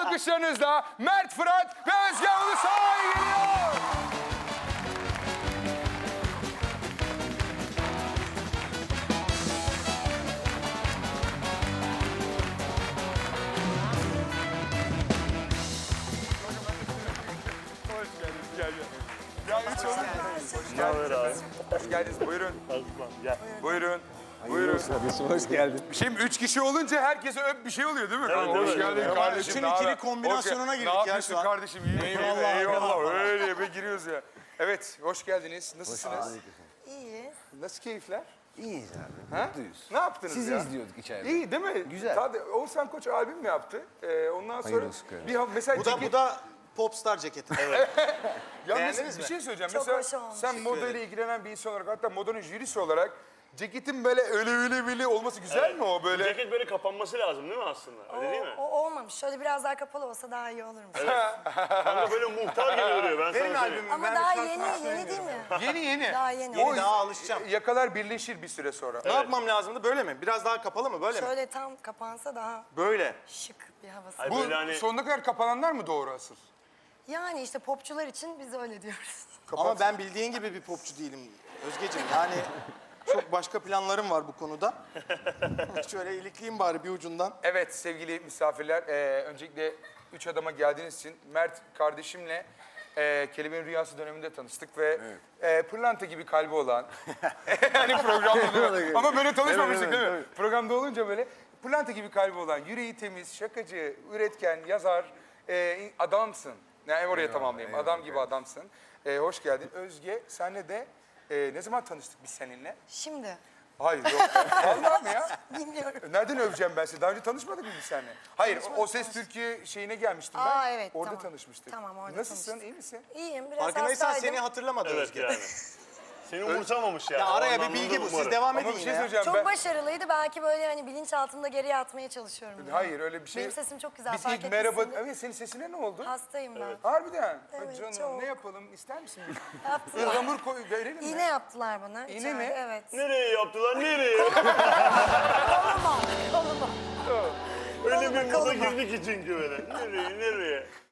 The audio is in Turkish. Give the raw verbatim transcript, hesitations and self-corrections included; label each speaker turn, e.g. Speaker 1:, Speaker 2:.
Speaker 1: Alkışlarınızla Mert Fırat ve Özge Ulusoy geliyor. Hoş geldiniz. Gel gel. Ya üç olun. Hoş geldiniz. Hoş geldiniz. Buyurun.
Speaker 2: Gel.
Speaker 1: Buyurun. Buyurun.
Speaker 3: Kardeşim hoş geldin.
Speaker 1: Şimdi üç kişi olunca herkese öp bir şey oluyor değil mi?
Speaker 2: Evet,
Speaker 1: Hoş
Speaker 2: evet.
Speaker 1: geldin
Speaker 2: Evet.
Speaker 1: kardeşim.
Speaker 4: Üçün
Speaker 1: ne
Speaker 4: ikili
Speaker 1: haber?
Speaker 4: kombinasyonuna
Speaker 1: Hoş gel-
Speaker 4: girdik
Speaker 1: Ne
Speaker 4: ya
Speaker 1: yapıyorsun
Speaker 4: şu an.
Speaker 1: kardeşim? İyi
Speaker 4: Eyvallah,
Speaker 1: eyvallah.
Speaker 4: eyvallah.
Speaker 1: Öyle bir giriyoruz ya. Evet, hoş geldiniz. Nasılsınız?
Speaker 5: İyi.
Speaker 1: Nasıl keyifler?
Speaker 3: İyiyiz abi.
Speaker 1: Ha?
Speaker 3: Mutluyuz.
Speaker 1: Ne yaptınız
Speaker 3: Sizi
Speaker 1: ya?
Speaker 3: izliyorduk içeride.
Speaker 1: İyi değil mi?
Speaker 3: Güzel.
Speaker 1: Tabii, Oğuzhan Koç albüm mü yaptı? Ee, ondan sonra
Speaker 3: Hayırlı olsun kardeşim.
Speaker 1: bir ha- mesela
Speaker 4: Bu da,
Speaker 1: ceket-
Speaker 4: bu da popstar ceketi.
Speaker 1: Yalnız
Speaker 4: Beğendiniz
Speaker 1: bir
Speaker 4: mi?
Speaker 1: şey söyleyeceğim.
Speaker 5: Çok
Speaker 1: Mesela
Speaker 5: hoş olmuş.
Speaker 1: sen modayla ilgilenen bir insan olarak, hatta modanın jürisi olarak ceketin böyle öyle öyle böyle olması güzel mi o böyle?
Speaker 2: Ceket böyle kapanması lazım değil mi aslında? Öyle değil mi?
Speaker 5: O, o olmamış. Şöyle biraz daha kapalı olsa daha iyi olurmuş.
Speaker 2: Kanka böyle muhtar gibi duruyor ben
Speaker 4: Benim
Speaker 2: sana söyleyeyim.
Speaker 4: albümüm.
Speaker 5: Ama
Speaker 4: ben
Speaker 5: daha
Speaker 4: bir şarkı
Speaker 5: yeni,
Speaker 4: söyleyeyim
Speaker 5: yeni değil mi?
Speaker 1: Yeni yeni.
Speaker 5: Daha yeni.
Speaker 4: Yeni
Speaker 1: O
Speaker 4: daha alışacağım.
Speaker 1: yakalar birleşir bir süre sonra.
Speaker 4: Ne yapmam lazımdı? Böyle mi? Biraz daha kapalı mı? Böyle mi?
Speaker 5: Şöyle tam kapansa daha
Speaker 4: Böyle.
Speaker 5: şık bir havası.
Speaker 2: Ay
Speaker 1: Bu
Speaker 2: böyle hani
Speaker 1: sonuna kadar kapananlar mı doğru asıl?
Speaker 5: Yani işte popçular için biz öyle diyoruz.
Speaker 4: Ama ben bildiğin gibi bir popçu değilim Özgeciğim. Yani çok başka planlarım var bu konuda. Şöyle ilikleyeyim bari bir ucundan.
Speaker 1: Evet sevgili misafirler, e, öncelikle üç adama geldiğiniz için Mert kardeşimle e, Kelebeğin Rüyası döneminde tanıştık ve e, pırlanta gibi kalbi olan, hani programda değil mi? Ama böyle tanışmamıştık değil mi? Programda olunca böyle pırlanta gibi kalbi olan, yüreği temiz, şakacı, üretken, yazar, e, adamsın. Yani oraya tamamlayayım, adam gibi adamsın. E, hoş geldin. Özge, senle de e, ne zaman tanıştık biz seninle?
Speaker 5: Şimdi
Speaker 1: Hayır yok. Vallahi mi ya?
Speaker 5: bilmiyorum.
Speaker 1: Nereden öveceğim ben seni? Daha önce tanışmadık mı biz seninle? Hayır,
Speaker 5: Tanışmadık,
Speaker 1: O Ses
Speaker 5: tanıştık.
Speaker 1: Türkiye şeyine gelmiştim ben.
Speaker 5: Aa, evet,
Speaker 1: Orada
Speaker 5: tamam.
Speaker 1: tanışmıştık.
Speaker 5: Tamam, orada
Speaker 1: Nasılsın,
Speaker 5: tanıştık.
Speaker 1: iyi misin?
Speaker 5: İyiyim. Biraz
Speaker 4: Farkındaysan
Speaker 5: hastaydım.
Speaker 4: seni hatırlamadı
Speaker 2: evet
Speaker 4: Özge.
Speaker 2: yani. Seni umursamamış yani.
Speaker 4: Ya araya bir
Speaker 2: Ondan
Speaker 4: bilgi bu.
Speaker 2: umarım.
Speaker 4: Siz devam edin
Speaker 1: Ama bir
Speaker 4: yine
Speaker 1: şey
Speaker 4: ya.
Speaker 1: söyleyeceğim
Speaker 5: Çok
Speaker 1: ben.
Speaker 5: başarılıydı. Belki böyle hani bilinçaltımda geriye atmaya çalışıyorum. bunu.
Speaker 1: Hayır öyle bir şey.
Speaker 5: Benim sesim çok güzel.
Speaker 1: Biz
Speaker 5: fark
Speaker 1: ilk merhaba...
Speaker 5: etmişsindir.
Speaker 1: Evet senin sesine ne oldu?
Speaker 5: Hastayım ben.
Speaker 1: Harbiden.
Speaker 5: Evet,
Speaker 1: Canım
Speaker 5: çok.
Speaker 1: ne yapalım ister misin?
Speaker 5: Yaptılar.
Speaker 1: Ihlamur koy verelim mi?
Speaker 5: İğne yaptılar bana.
Speaker 1: İğne
Speaker 5: içeride,
Speaker 1: mi?
Speaker 5: Evet.
Speaker 2: Nereye yaptılar nereye?
Speaker 5: Koluma. Koluma.
Speaker 2: Öyle bir moda
Speaker 5: koluma.
Speaker 2: girdik ki çünkü böyle. Nereye nereye?